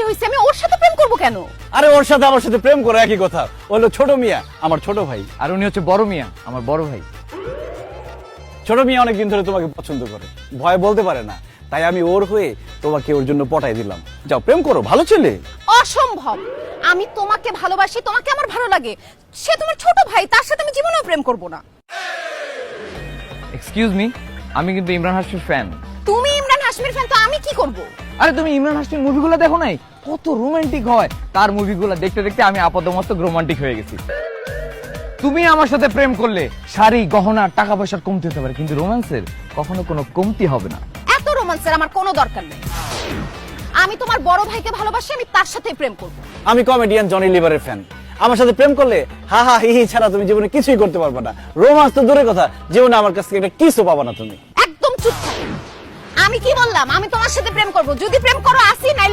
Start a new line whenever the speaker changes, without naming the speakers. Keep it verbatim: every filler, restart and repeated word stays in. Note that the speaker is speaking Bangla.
ভালোবাসা হইছে আমি ওর সাথে প্রেম করব কেন?
আরে ওর সাথে আমার সাথে প্রেম করো একই কথা। ও হলো ছোট মিয়া, আমার ছোট ভাই।
আর উনি হচ্ছে বড় মিয়া, আমার বড় ভাই।
ছোট মিয়া অনেকদিন ধরে তোমাকে পছন্দ করে, ভয় বলতে পারে না, তাই আমি ওর হয়ে তোমাকে ওর জন্য পটাই দিলাম। যাও প্রেম করো, ভালো ছেলে।
অসম্ভব, আমি তোমাকে ভালোবাসি, তোমাকে আমার ভালো লাগে, সে তোমার ছোট ভাই, তার সাথে আমি জীবনেও প্রেম করব না।
এক্সকিউজ মি, আমি কিন্তু ইমরান হাশমির ফ্যান।
তুমি ইমরান হাশমির ফ্যান, তো আমি কি করব?
আরে তুমি ইমরান হাশমির মুভিগুলো দেখো নাই? কত রোমান্টিক হয় তার মুভিগুলো, দেখতে দেখতে আমি আপাতমস্তক রোমান্টিক হয়ে গেছি। তুমি আমার সাথে প্রেম করলে শাড়ি গহনা টাকা পয়সার কমতি হতে পারে, কিন্তু রোম্যান্সের কখনো কোনো কমতি হবে না।
এত রোমান্সের আমার কোনো দরকার নেই। আমি তোমার বড় ভাইকে ভালোবাসি, আমি তার সাথে প্রেম করব।
আমি কমেডিয়ান জনি লিভারের ফ্যান। আমার সাথে প্রেম করলে হা হা হি হি ছাড়া তুমি জীবনে কিছুই করতে পারবে না। রোমান্স তো দূরের কথা, জীবনে আমার কাছ থেকে একটা কিসও পাবা না তুমি।
একদম চুপ থাকো। আমি কি বললাম? আমি তোমার সাথে প্রেম করব। যদি প্রেম করো আসি, নাইলে